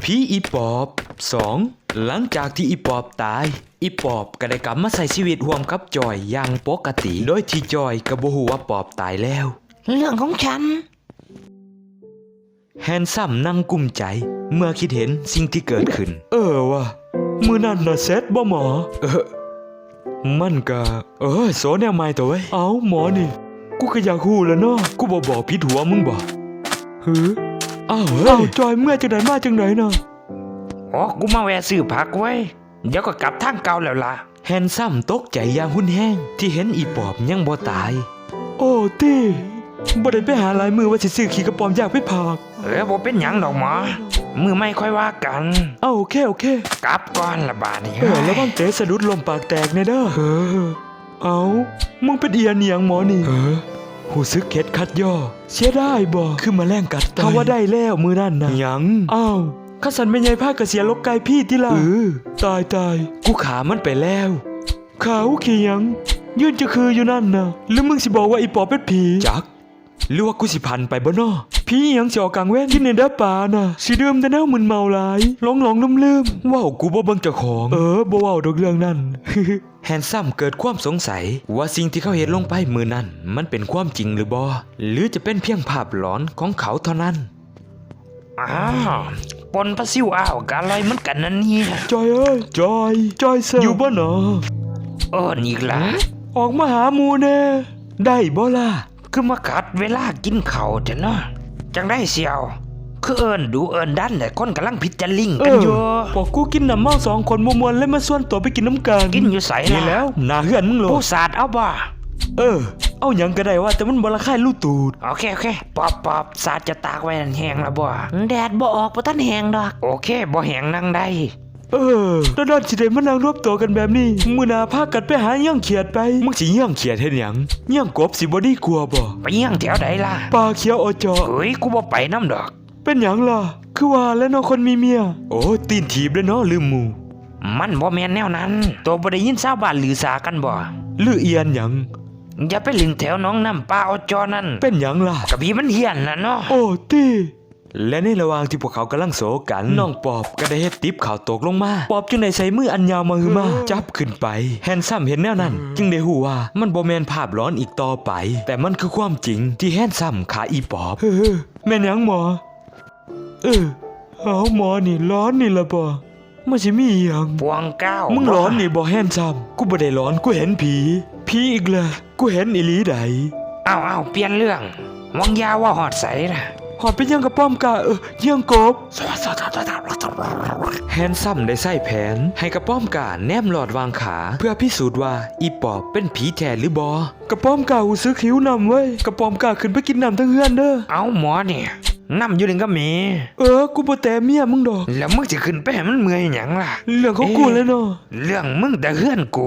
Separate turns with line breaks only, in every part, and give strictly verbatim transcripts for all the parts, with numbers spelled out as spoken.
ผีอีปอบสองหลังจากที่อีปอบตายอีปอบก็ได้กลับมาใช้ชีวิตร่วมกับจอยอย่างปกติโดยที่จอยก็บ่ฮู้ว่าปอบตายแล้ว
เรื่องของฉัน
แฮนซัมนั่งกุ้มใจเมื่อคิดเห็นสิ่งที่เกิดขึ้นเออว่ะมื้อนั้นน่ะเซ็ตบ่หมอเออมันก็เออโซแนวใหม่ตัวเว้ยเอ้าหมอนี่กูก็อยากฮู้แล้วเนาะกูบ่บอกผิดหัวมึงบ่หืออ้าวเฮ้ยจอยเมื่อจังได๋มาจังได๋น่ะ
อ๋อกูมาแวะซื้อผักไว้เดี๋ยวก็กลับทางเก่าแล้วล่ะ
แฮนซัมตกใจอย่างหุ่นแห้งที่เห็นอีปอบยังบ่ตายโอ้ตี้บ่ได้ไปหาหลายมือว่าสิซื้อขี้กระป๋อมอยากไปพาก
เออบ่เป็นหยังดอกหมอมือไม่ค่อยว่ากัน
เอ้าโอเคโอเค
กลับก่อนละบาดนี้
เออแล้วบ้างเตะสะดุดลมปากแตกแน่เด้อเออเอ้ามึงเป็นเอียนเนียงหมอนี่เออหูซึกเข็ดคัดย่อเสียได้บ่คือมาแล่งกัดตายถ้าว่าได้แล้วมือนั่นนะหยังอ้าวข้าสันไม่ใหญ่ผ้ากระเสียลกไก่พี่ที่ล่ะเออตายตายกูขามันไปแล้วขาวขี้ยังยืนจะคืออยู่นั่นนะแล้วมึงสิบอกว่าอีปอบเป็นผีจักหรือว่ากูสิพันไปบ่น้อผียังสิออกกลางแว่นกินในเด้อป่าน่ะสิเดิมแต่แนวมึนเมาหลายหลงหลงลืมลืมว้าวกูบ่เบิ่งเจ้าของเออบ่ว้าวดอกเรื่องนั้น แฮนซัมเกิดความสงสัยว่าสิ่งที่เขาเห็นลงไปมือนั้นมันเป็นความจริงหรือบ่หรือจะเป็นเพียงภาพหลอนของเขาเท่านั้น
อ้าวปนปลาซิวอ้าวกะอะไรเหมือนกันนั่นนี่
จอยเอ้ยจอยจอยเซออยู่บ่หนอ
เออนี่ล่ะ
ออกมาหาหมูแน่ได้บ่ล่ะ
คือมาขัดเวลากินข้าวเถอะเนาะจังได้เสียวคือเอิญดูเอิญดันแต่คนกำลังพิจาริงกันอยู่
พอกูกินน้ำเมาสองคนมวนๆเลยมาส่วนตัวไปกินน้ำกัน
กินอยู่ใส่
นี่แล้วหน้าเหือนมึงโล
ผู้สาดเอาบ่
เออเอาหยังก็ได้ว่าแต่มันบ่ละคายลู่ตูด
โอเคโอเคปอบปอบสาดจะตากไว้นั่นแห้งแล้วบ่แดดบ่ออกบ่ทันแห้งดอกโอเคบ่แห้งนั่งได้
เออแล้วด้านสิได้มานั่งรวบตัวกันแบบนี้มื้อหน้าพากันไปหาเหี้ยงเขียดไปมึงสิเหี้ยงเขียดเฮ็ดหยังเหี้ยงกบสิบ่ดีกลัวบ่
ไปเหี้ยงแถวใดล่ะ
ป่าเขียวอจอ
เฮ้ยกูบ่ไปนำดอก
เป็นหยังล่ะคือว่าแล้วเนาะคนมีเมียโอ้ตีนถีบแล้วเนาะลืมหมู่
มันบ่แม่นแนวนั้นตัวบ่ได้ยินชาวบ้านลือสากันบ่
ลือเอียนหยัง
อย่าไปลิงแถวน้องน้ำป้าอจอนั่น
เป็นหยังล่ะ
กะพี่มันเหี้ยนน่ะเนาะ
โอ้ตี้และในระหว่างที่พวกเขากำลังโศกกันน้องปอบก็ได้เฮ็ดติ๊บข่าวตกลงมาปอบจึงได้ใส่มืออันยาวมาหือมาจับขึ้นไปแฮนซัมเห็นแนวนั้นจึงได้ฮู้ว่ามันบ่แม่นภาพหลอนอีกต่อไปแต่มันคือความจริงที่แฮนซัมขาอีปอบเออแม่นหยังหมอเออเอาหมอนี่ร้อนนี่ละบ่มันสิมีหยัง
พวงเก้า
มึงร้อนนี่บ่แฮนซัมกูบ่ได้ร้อนกูเห็นผีผีอีกแล้วกูเห็นอีหลีใด
อ้าวๆเปลี่ยนเรื่องวังยาว่าฮอดใสล่ะ
หอดเป็นยังกระป้อมกาเออยังกบแฮนซัมได้ใส่แผนให้กระป้อมกาแนมหลอดวางขาเพื่อพิสูจน์ว่าอีปอบเป็นผีแท้หรือบอกระป้อมกาหูซื้อคิ้วนำเว้ยกระป้อมกาขึ้นไปกินน้ำทั้งเฮือนเด้อ
เอาหมอเนี่ยน้ำอยู่นึงก็มี
เออกูบ่แต่เมียมึงดอก
แล้วมึงจะขึ้นไปให้มันเมื่อยหยังล่ะ
เรื่องของกูเลยเนาะ
เรื่องมึงแต่เฮือนกู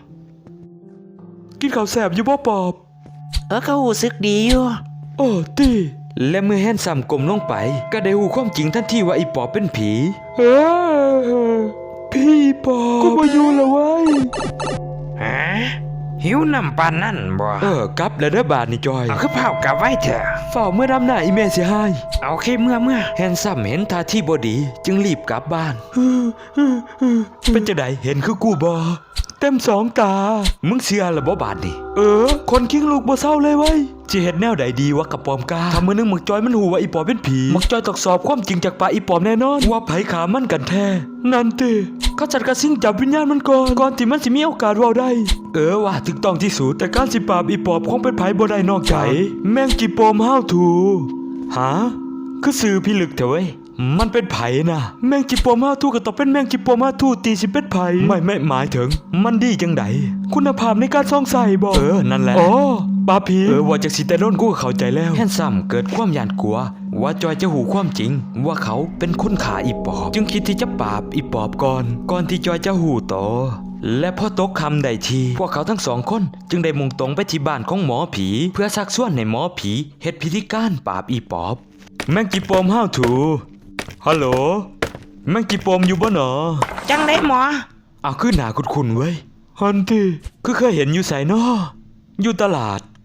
กินข้าวแสบอยู่บ่ปอบ
เออเขาหูซึกดีอยู่
โอ้ตีและเมื่อแฮนซัมก้มลงไปก็ได้หูความจริงทันทีว่าอีปอบเป็นผีเออพี่ปอบกูมาอยู่แล้วเว้ย
ฮะหิวน้ำปานนั่นบ่
เออกลับแล้วเด้อบาดนี่จอย
เอาคือเผากลับไว้เถอะ
เฝ้าเมื่อดำหน้าอีเมสิให้
โอเคเมื่อเมื่อ
แฮนซัมเห็นท่าที่บ่ดีจึงรีบกลับบ้านเป็นจังได๋เห็นคือกูบ่เต็มสองตามึงเชื่อละบ่บาดนี่เออคนคิงลูกบ่เศร้าเลยเว้ยสิเฮ็ดแนวใดดีวะกับปอมกาถ้ามื้อนึงมึกจอยมันฮู้ว่าอีปอบเป็นผีมึกจอยตอกสอบความจริงจากปากอีปอบแน่นอนว่าไผขามันกันแท้นั่นติเขาจัดกระซิ่งจับวิญญาณมันก่อนก่อนที่มันสิมีโอกาสเว้าได้เออว่าถูกต้องที่สุดแต่การสิปราบอีปอบคงเป็นไผบ่ได้นอกจากแมงจีปอมห้าวถูหาคือสื่อพิลึกเถอะเว้ยมันเป็นไผ่นะแมงจิปโปมาทูก็ต้องเป็นแมงจิปโปมาทูตีสิเป็นไผ่ไม่ไม่หมายถึงมันดีจังไดคุณภาพในการซ่องใส่บ่เออนั่นแหละอ๋อปาผีเออว่าจากสิแต่โดนกูเข้าใจแล้วแฮนซัมเกิดความหยาดกลัวว่าจอยจะหูความจริงว่าเขาเป็นคนขาอีปอบจึงคิดที่จะปราบอีปอบก่อนก่อนที่จอยจะหูโตและพอตกคำใดทีพวกเขาทั้งสองคนจึงได้มุ่งตรงไปที่บ้านของหมอผีเพื่อชักชวนให้หมอผีเฮ็ดพิธีการปราบอีปอบแมงจิปโปมห้าวถูฮัลโหลแมงจีปอมอยู่บ่หนอ
จังได้หมอ
อ้าวคือหนาคุ้นๆเว้ยฮันตี้คือเคยเห็นอยู่ไสน้ออยู่ตลาด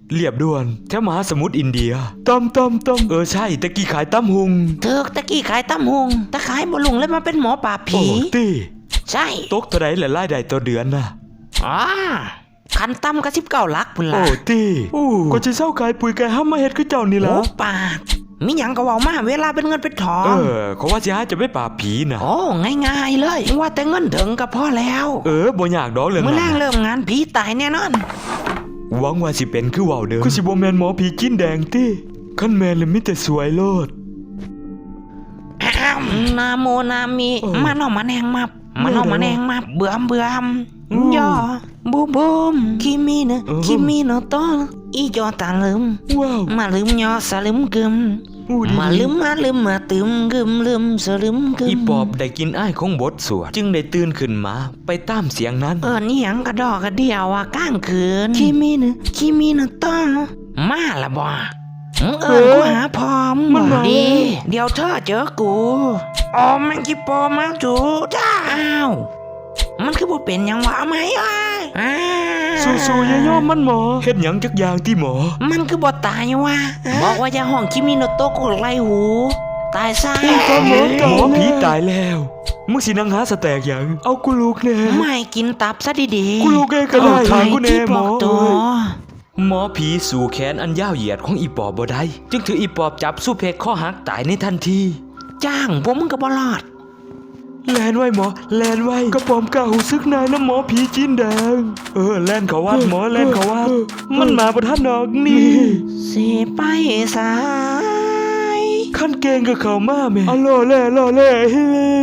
เรียบด่วนแถวมหาสมุทรอินเดียตำตำตำเออใช่ตะกี้ขายตำหุง
เถิกตะกี้ขายตำหุงตะขายบ่ลุงเลยมาเป็นหมอป่าบผี
โอ้ตี
ใช่
ตกเท่าไรและรายได้ต่อเดือนน่ะ
อ๋อคันตำก็สิบเก้าลักพุ่น
โอ้
ล่ะ
ตีอู้ก็จะเศร้าขายปุ๋ยไก่ห้ามมาเฮ็ดคือเจ้านี่ล่ะ
โอ้ปากมีหยังก็เว้ามาเวลาเป็นเงินเป็นทอง
เออเขาว่าสิหาจะไปปราบผีน่ะ
โอ้ง่ายๆเลยว่าแต่เงินถึงก็พอแล้ว
เออบ่ยากดอกเรื่อง
เมื่อแร
นั้
ก
น
เริ่มงานผีตายแน่นอน
หวังว่าสิเป็นคือเว้าเด้อคือสิบ่แม่นหมอผีกินแดงติคันแม่นแล้วมีแต่สวยโลด
อ้าวนาโมนามิ
เออ
มาเนอมาแนงมามาเนอ
เออ
มาแนงมาเบื่อมเบื่อม
อืม
ย่อบูบูมคิมิเนะ
เออ
คิมิโนโตะอีจอตาลืม
ว้าว
มาลืมยอสลืมกึม
อู้ดี
มาลืมมาลืมมาตึมกึมลืมสลืมกึม
อีปอบได้กินอ้ายของบทสวดจึงได้ตื่นขึ้นมาไปตามเสียงนั้น
เออนี่หยังกระดอกกระเดียวอ่ะก้างคืนคิมิเนะคิมิโนโตะมาละบ่มึงเอิญกูหาพร้อม
มันมา
ดี เดี๋ยวเธอเจอกูอ๋อแมงกิโปมาจูจ้าอ้าวมันคือบ่เป็นหยังวะเอาไหมอ้ายอ้าว
สู้ๆอย่ายอมมันหมอเฮ็ดหยังจักอย่างที่หมอ
มันคือบ่ตายวะบอกว่าอย่าห้องคิมิโนโตะกูไล่หู ตายซะ
หมอผีตายแล้วมึงสินั่งหาสแต็กหยังเอากูลูกแน่
ไม่กินตับซะดีๆ
กูลูกเองก็ได้
เอา
ทางกูแน่
ที่
หม
บ
อ
อกตัว
หมอผีสู่แขนอันยาวเหยียดของอีปอบบ่ได้จึงถืออีปอบจับสู้เพกข้อหักตายในทันที
จ้างพวกมึงก็บ่รอด
แลนไว้หมอแลนไว้กระป๋อมกล้าหูซึกนายน้ำหมอผีจีนแดงเออแลนเขาวัดหมอแลนเขาวัดมันมาประทันดอกนี่
สิไปสาย
ขั้นเกงกับเขามาแม่อ๋อล่อแล่ล่อแล่เฮ้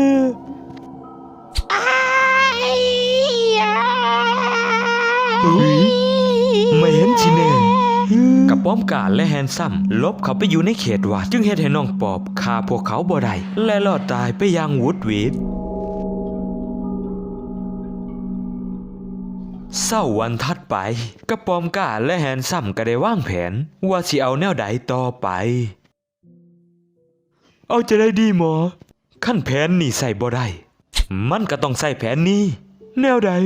อ้ายอ้าย
ไม่เห็นชิแน่กระป๋อมกาและแฮนซัมลบเขาไปอยู่ในเขตวัดจึงเฮ็ดให้น้องปอบฆ่าพวกเขาบ่ได้และรอดตายไปอย่างหวุดหวิดเศร้าวันถัดไปกระป๋อมกาและแฮนซัมก็ได้วางแผนว่าสิเอาแนวใดต่อไป เอาจะได้ดีหมอขั้นแผนนี่ใส่บ่ได้มันก็ต้องใส่แผนนี้ แนวใด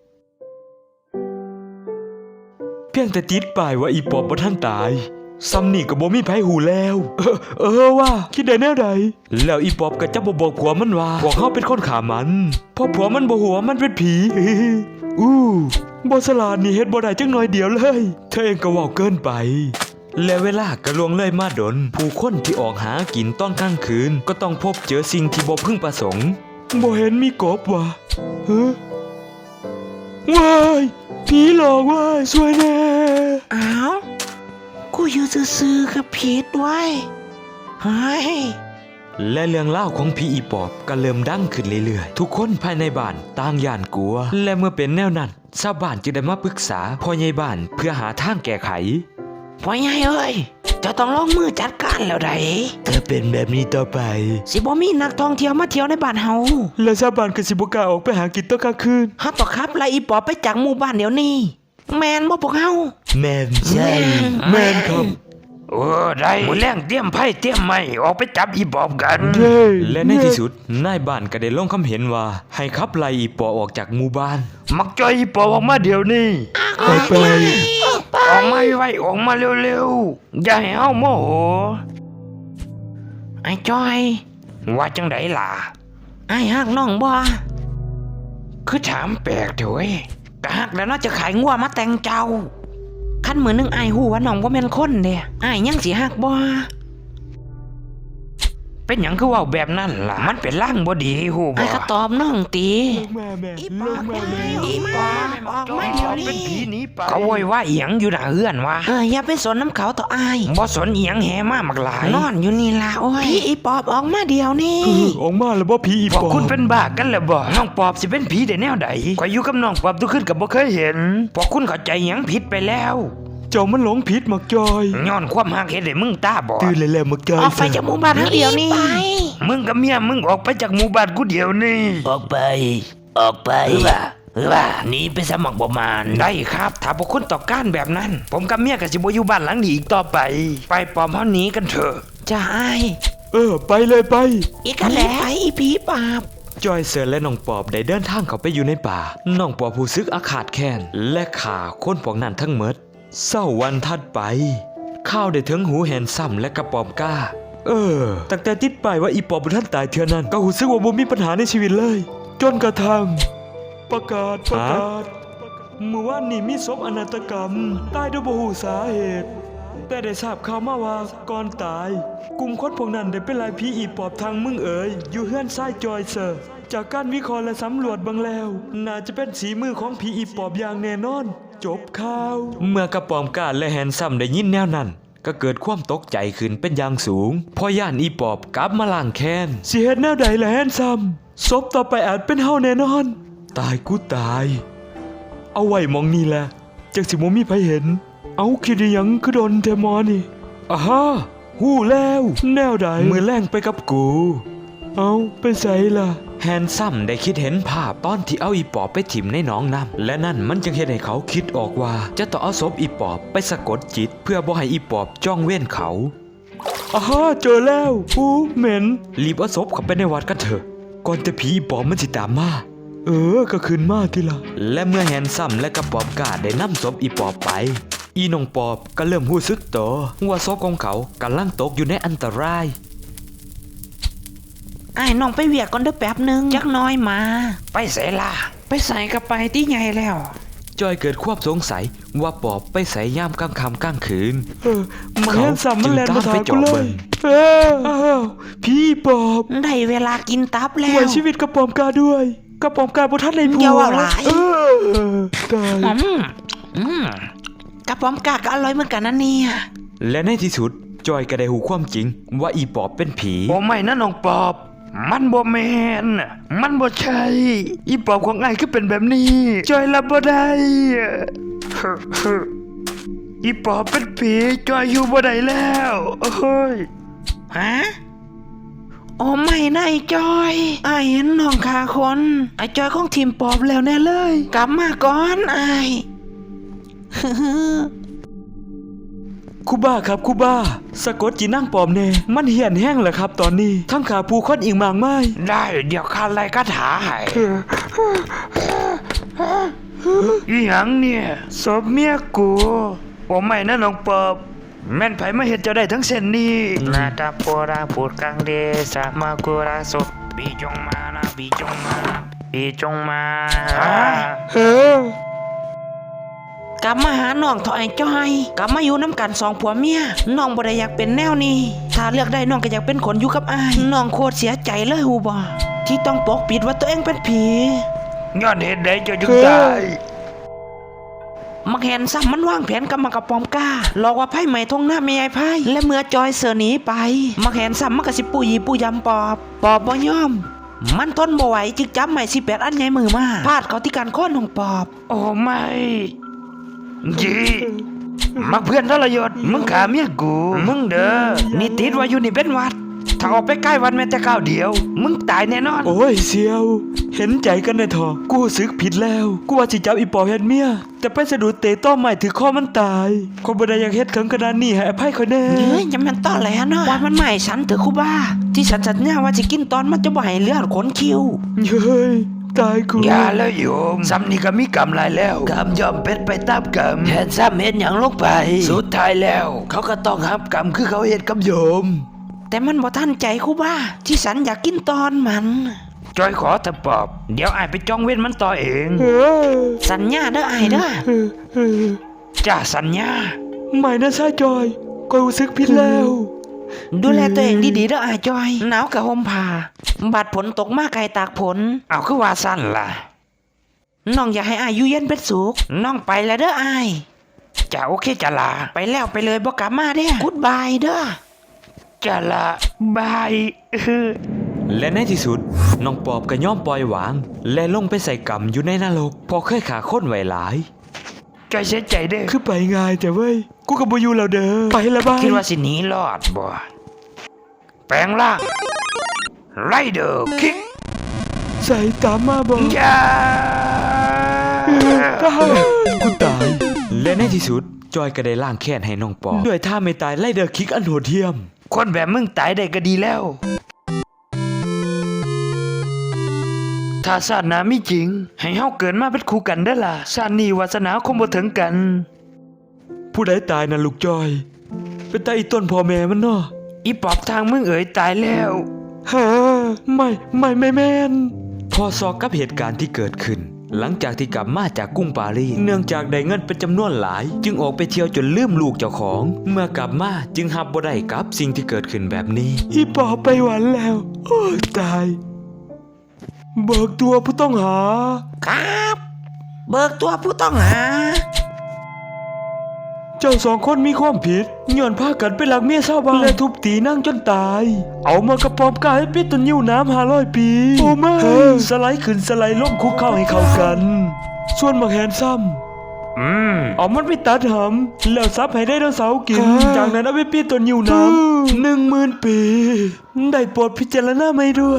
เพียงแต่ติดป้ายว่าอีปอบบ่ทันตายซ้ำนี่ก็บ่มีไผหูแล้ว เออเออว่าคิดได้แนวใดแล้วอีปอบก็จะบ่บอกผัวมันว่าพวกเฮาเป็นคนฆ่ามันเพราะผัวมันบ่ฮู้ว่ามันเป็นผี อู้บ่ฉลาดนี่เฮ็ดบ่ได้จังหน่อยเดียวเลยเธอเองก็เว้าเกินไป และเวลาก็ล่วงเลยมาดนผู้คนที่ออกหากินตอนกลางคืนก็ต้องพบเจอสิ่งที่บ่พึงประสงค์บ่เห็นมีกบว่ะเฮ้อว้ายผีหลอกว้ายสวยแน่
อ้าวกูอยู่ซื่อๆกับผิดไว้เฮ้ย
และเรื่องเล่าวของผีอีปอบก็เริ่มดังขึ้นเรื่อยๆทุกคนภายในบ้านต่างย่านกลัว และเมื่อเป็นแนวนั้นชาวบ้านจึงได้มาปรึกษาพ่อใหญ่บ้านเพื่อหาทางแก้ไข
พ่อใหญ่เอ้ยเจะต้องลงมือจัดการแล้วได้
ถ้าเป็นแบบนี้ต่อไป
สิบ่มีนักท่องเที่ยวมาเที่ยวในบ้านเฮา
และชาวบ้านก็สิบ่กล้าออกไปหากินตอนกลางคืน
เฮาต้องขับไล่อีปอบไปจากหมู่บ้านเดี๋ยวนี้ แม่นบ่พวกเฮา
แม่นใช่แม่นครับ
เออได้มื้อแรงเตรียมไผ่เตรียมไม้ออกไปจับอีปอบกัน
และในที่สุดนายบ้านก็ได้ลงคำเห็นว่า ให้ขับไล่อีปอบออกจากหมู่บ้าน
มักจอยอีปอบออกมาเดี๋ยวนี้
ออกไป
ออกมาไวๆออกมาเร็วๆอย่าให้เฮาโมโหไอ้จอย ว่าจังไดล่ะไอ้ฮักน้องบ่คือถามแปลกเถอะเว้ยก็ฮักแล้วเนาะจะขายงัวมาแต่งเจ้าคันมือนึงไอ้ฮู้ว่าน้องบ่แม่นคนเด้ไอ้ยังสิฮักบ่เป็นหยังคือเว้าแบบนั้นล่ะมันเป็นล่างบ่ดีฮู้บ่ไอ้ก็ตอบน้องตี
แม่แม่
อี
ล
ปอง ก
แม่
ไง
แม่
อีปอกออกมาเดี๋ยวนี้เป็นผีหนีไปเขาโวยว่าเอียงอยู่หน้าเฮือนวะเอออย่าไปสนน้ำเขาต่ออายบ่สนเอียงแห่มากมักหลายนอนอยู่นี่ล่ะโอ้ยพี่อีปอบออกมาเดี๋ยวนี้
เออออกมาแล้วบ่ผีอี
พว
ป
ก
อบ
คุณเป็นบ้ากันแล้วบ่น้องปอบสิเป็นผีได้แนวใดข่อยอยู่กับน้องปอบทุกคืนก็บ่เคยเห็นพวกคุณเข้าใจหยังผิดไปแล้ว
เจ้ามันหลงผิดมักจอย
ย้อนความฮักเฮ็ดให้มึงตาบอด
ตื่นเลยแล้วมักจอย
ออกไปจากหมู่บ้านเดี๋ยวนี้มึงกับเมียมึงออกไปจากหมู่บ้านกูเดี๋ยวนี้ออกไป ออกไปว่าว่าหนีไปสมัครประมาณได้ครับถ้าพวกคุณต่อการแบบนั้น ผมกับเมียกับสิบอยู่บ้านหลังนี้อีกต่อไป ไปปลอมเฮาหนีกันเถอะจะไอ
เออไปเลยไป
อีกกันแล้วไปอีผีปาบ
จอยเซิร์และน้องปอบได้เดินทางเข้าไปอยู่ในป่าน้องปอบผู้ซึกอาขาดแค้นและขาคนพวกนั้นทั้งหมดเศร้าวันถัดไปข้าวได้ถึงหูแหนซ้ำและกระป๋อมก้าเออตั้งแต่ติดไปว่าอีปอบบุท่านตายเทื่อนั้นก็หูซึกว่าบ่มีปัญหาในชีวิตเลย จนกระทั่งประกาศประกาศเมื่อวานนี้มีศพอนาถกรรมตายโดยบ่ฮู้สาเหตุแต่ได้ทราบข่าวมาว่าก่อนตายกลุ่มคนพวกนั้นได้เป็นลายผีอีปอบทางมึงเอ๋ยอยู่เฮือนซ้ายจอยเซอร์จากการวิเคราะห์และสำรวจบางแล้วน่าจะเป็นสีมือของผีอีปอบอย่างแน่นอนจบข่าวเมื่อกระป๋อมกาและแฮนซัมได้ยินแนวนั้นก็เกิดความตกใจขึ้นเป็นอย่างสูงพอย่านอีปอบกลับมาล้างแค้นสิเฮ็ดแนวใดล่ะแฮนซัมศพต่อไปอาจเป็นเฮาแน่นอนตายกูตายเอาไว้มองนี่แหละจักสิบ่มีไผเห็นเอาคิดอิหยังคือโดนแทหมอนี่อ่าฮะฮู้แล้วแนวใดมือแรงไปกับกูเอาไปใส่ล่ะแฮนซัมได้คิดเห็นภาพตอนที่เอาอีปอบไปถิ่มในหนองน้ำและนั่นมันจึงเห็นให้เขาคิดออกว่าจะต้องเอาศพอีปอบไปสะกดจิตเพื่อบ่ให้อีปอบจ้องเว้นเขาอ่าฮะเจอแล้วอู้เหม็นรีบเอาศพเข้าไปในวัดกันเถอะก่อนจะผีอีปอบมันสิตามมาเออก็คืนมาทีละและเมื่อแฮนซัมและกระปอบกาได้นำศพอีปอบไปอีน้องปอบก็เริ่มรู้สึกตัวว่าศพของเขากำลังตกอยู่ในอันตราย
ไอ้น้องไปเวียกก่อนเด้อแป๊บหนึงจักน้อยมา ไปใส่ล่ะไปใส่กับไปที่ใหญ่แล้ว
จอยเกิดความสงสัยว่าปอบไปใส่ย่ามกลางค่ำกลางคืนเออมัน
เขา
แฮนซัมมันแล่นมาถามกูเลยเอออ้าวพี่ปอบ
ได้เวลากินตับแล้ว
ไว้ชีวิตกระปอมกาด้วยกระปอมกาบ่ทันได้ผัว
อย่าว่าหลาย
เออตาย
อืมอืมกระป๋อมกาก็อร่อยเหมือนกันนะเนี่ย
และในที่สุดจอยก็ได้หูความจริงว่าอีปอบเป็นผี
โอ้ไม่นะน้องปอบมันบ่แมนมันบ่ใช่อีปอบของไอ้คือเป็นแบบนี้จอยรับบ่ได้อีปอบเป็นผีจอยอยู่บ่ได้แล้วโอ้ยฮะโอ้ไม่นะไอ้จอยไอ้เห็นน้องขาคนไอ้จอยของทีมปอบแล้วแน่เลยกลับมาก่อนไอ้
คูบ้าครับคูบ้าสะกดจีนั่งปอมเน่มันเหี่ยนแห้งเหรอครับตอนนี้ทั้งขาปูค้อนอีกมากไม้
ได้เดี๋ยวข้าไล่คาถาให้อีหยังเนี่ยศพเมียกูโอ้ไม่นะน้องปอบแม่นไผมาเฮ็ดเจ้าได้ทั้งเส้นนี้นาตาโปราพูดกลางเดสะมากุราสุปีจงมานะปีจงมาปีจงมา
เฮ้
กลับมาหาน้องเถอะไอ้จ้อยกลับมาอยู่น้ำกันสองผัวเมียน้องบ่ได้อยากเป็นแนวนี้ถ้าเลือกได้น้องก็อยากเป็นคนอยู่กับอ้ายน้องโคตรเสียใจเลยฮู้บ่ที่ต้องปกปิดว่าตัวเองเป็นผีย้อนเหตุใดเจ้าจึงตายมักแหนซ้ำมันวางแผนกับมากระปอมกล้าหลอกว่าไพ่ใหม่ทงหน้าไม่ยายไพ่และเมื่อจอยเสือหนีไปมักแหนซ้ำมันก็สิปุยปุยยำปอบปอบบ่ยอมมันทนบ่ไหวจึงจับใหม่สิแปดอันใหญ่มือมาพาดเขาที่การค้อนของปอบโอ้ไม่จีมักเพื่อนทรยศมึงขาเมียกูมึงเด้อนี่ติดว่าอยู่นี่เป็นวัดถ้าออกไปใกล้วัดแม้แต่ก้าวเดียวมึงตายแน่นอน
โอ้ยเสียวเห็นใจกันได้ทอะกูสึกผิดแล้วกูว่าสิจับอีปอบเฮ็ดเมียแต่ไปสะดุดเตะต้อใหม่ถือข้อมันตายคนบ่ได้อยากเฮ็ดถึงขนาดนี้ให้อภัยค่อยแน่
เฮ้ยยังแม่นต้อแหลเนาะว่ามันใหม่ฉันเถอะครูบ้าที่ฉันสัญญาว่าสิกินตอนมันจะบ่ให้เลือดขนคิว
เฮ้ยตายกู
อย่าแล้วโยมซ้ำนี่ก็มีกรรมหลายแล้วกรรมยอมเป็นไปตามกรรมแทนซ้ำเฮ็ดหยังลงไปสุดท้ายแล้วเขาก็ต้องรับกรรมคือเขาเฮ็ดกับโยมแต่มันบ่ทันใจครูบ้าที่ฉันอยากกินตอนมันจอยขอเถอะปอบเดี๋ยวอ้ายไปจ้องเว้นมันต่อเองสัญญาเด้ออ้ายเด้อจ้าสัญญา
ไม่นะชายจอยก็รู้สึกผิดแล้ว
ดูแลตัวเองดีๆเด้ออ้ายจอยหนาวกะห่มผ้าบาดผลตกมาไกลตากผลเอาคือว่าสั้นล่ะน้องอยากให้อ้ายอยู่เย็นเป็นสุขน้องไปแล้วเด้ออ้ายจ้าโอเคจ้าล่ะไปแล้วไปเลยบ่กลับมาเด้อกู๊ดบายเด้อจ้าล่ะบาย
และในที่สุดน้องปอบก็ยอมปล่อยวางและลงไปใส่กรรมอยู่ในนรกพอเคยขาค้นไว้หลาย
จอยเสียใจเด้อ
คือไปง่ายแต่เว้ยกูกับบ่อยู่แล้วเด้อไปละบาย
คิดว่าสิหนีรอดบ่แปลงร่างไรเดอร์คิก
ใส่ตามมาบ่
อย่า
กูตายและในที่สุดจอยก็ได้ล้างแค้นให้น้องปอบด้วยท่าไม่ตายไรเดอร์คิกอันโหดเหี้ยม
คนแบบมึงตายได้ก็ดีแล้วถ้าศาสนามีจริงให้เฮาเกิดมาเป็นคู่กันได้ล่ะชาตินี้วาสนาคงบ่ถึงกัน
ผู้ใดตายนะลูกจอย เป็นตาอีต้นพ่อแม่มันเนาะ
อีปอบทางมึงเอ๋ยตายแล้ว
ฮะไม่ไม่ไม่แม่นพอซอกกับเหตุการณ์ที่เกิดขึ้น หลังจากที่กลับมาจากกรุงปารีสเนื่องจากได้เงินเป็นจำนวนหลาย จึงออกไปเที่ยวจนลืมลูกเจ้าของ เมื่อกลับมาจึงหับบ่ได้กับสิ่งที่เกิดขึ้นแบบนี้อีปอบไปหวันแล้วโอ้ยตาย เบิกตัวผู้ต้องหา
ครับ เบิกตัวผู้ต้องหา
เจ้าสองคนมีความผิดย้อนพากันไปหลักเมียชาวบ้านและทุบตีนั่งจนตาย เอามากระปอมกายให้ปิดตันยิ้วน้ำหาร้อยปีโอ้ไม่สไลด์ขึ้นสไลด์ลงคุกเข้าให้เข้ากัน ส่วนมักแหนซ้ำ
อืม
เอามันไปตัดหำแล้วซับให้ได้ดาวเสาร์กิน จากนั้นเอาไปปิดตันยิ้วน้ำหนึ่งหมื่นปี ได้โปรดพิจารณาไม่ด้วย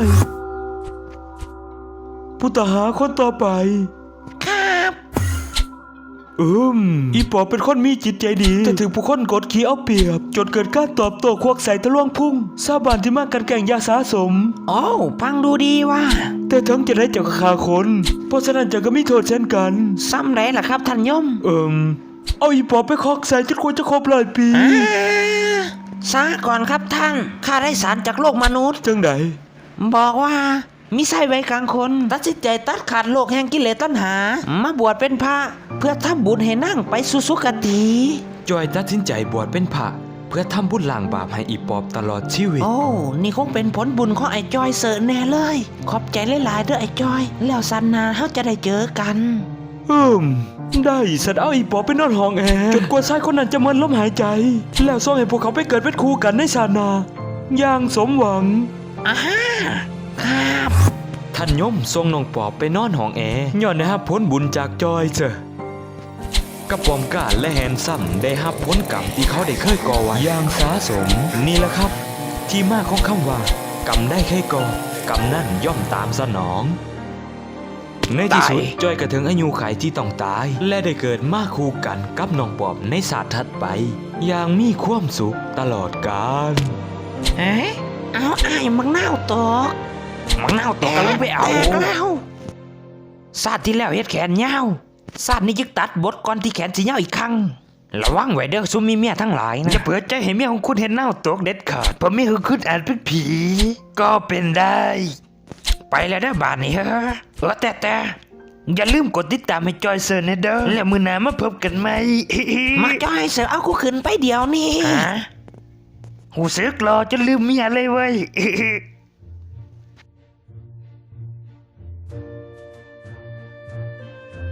ผู้ต้องหาคนต่อไป
ครับ
อืมอีปอบเป็นคนมีจิตใจดี แต่ถึงผู้คนกดขี่เอาเปรียบ จนเกิดการตอบโต้ควักใส่ทะลวงพุ่งชาวบ้านที่มากันแก่งยาสาสม
โอ้ฟังดูดีว่า
แต่ทั้งจะได้เจ้าฆ่าคน เพราะฉะนั้นเจะก็มีโทษเช่นกัน
ซ้ำไรล่ะครับท่านยม
เอิมเอาอีปอบไปคอกใส่จนควรจะครบร้อยปี
อ่าซาก่อนครับท่าน ข้าได้สารจากโลกมนุษย์
จังได
บอกว่ามีไส้ไว้กลางคนตัดสินใจตัดขาดโลกแห่งกิเลสตัณหา มาบวชเป็นพระเพื่อทำบุญให้นั่งไปสู่สุคติ
จอยตัดสินใจบวชเป็นพระเพื่อทำบุญล้างบาปให้อีปอบตลอดชีวิต
โอ้ นี่คงเป็นผลบุญของไอ้จอยเสิร์ชแน่เลย ขอบใจหลายๆเด้อไอ้จอย แล้วสันนาเฮาจะได้เจอกัน
อืมได้สัตว์เอาอีปอบไปนอนห้องแอร์จนกว่าชายคนนั้นจะมันล้มหายใจ แล้วส่งให้พวกเขาไปเกิดเป็นคู่กันในชาติหนาอย่างสมหวัง
อ่าฮะครับ
ท่านยมทรงน้องปอบไปนอนห้องแอร์ย้อนได้รับผลบุญจากจอยเจอกระปอมกาและแฮนซัมได้รับผลกรรมที่เขาได้เคยก่อไว้อย่างสาสม นี่แหละครับ ที่มาของคำว่ากรรมได้แค่ก่อกรรมนั่นย่อมตามสนอง ในที่สุดจอยกระถึงอายุไขที่ต้องตาย และได้เกิดมาคู่กันกับน้องปอบในศาสตร์ถัดไป อย่างมีความสุขตลอดกาล
เอ๊ะเอาไอ้มังนาวตกมังนาวตกกันลงไปเอาแล้วศาสตร์ที่แล้วเฮ็ดแขนยาวศาสตร์นี้ยึกตัดบทก่อนที่แขนสิยาวอีกครั้งระวังไว้เด้อซุมมีเมียทั้งหลายนะอย่าเปิดใจให้เมียของคุณเห็นนาวตกเด็ดขาดเพราะเมียของคุณอาจเป็นผี ก็เป็นได้ ไปแล้วเด้อบ้านนี้เฮ้อเออแต่แต่อย่าลืมกดติดตามให้จอยเซิร์นนะเด้อแล้วมื้อหน้ามาพบกันใหม่ มาจอยเซิร์นเอากูขึ้นไปเดี๋ยวนี้หูซึกรอจนลืมเมียเลยเว้ย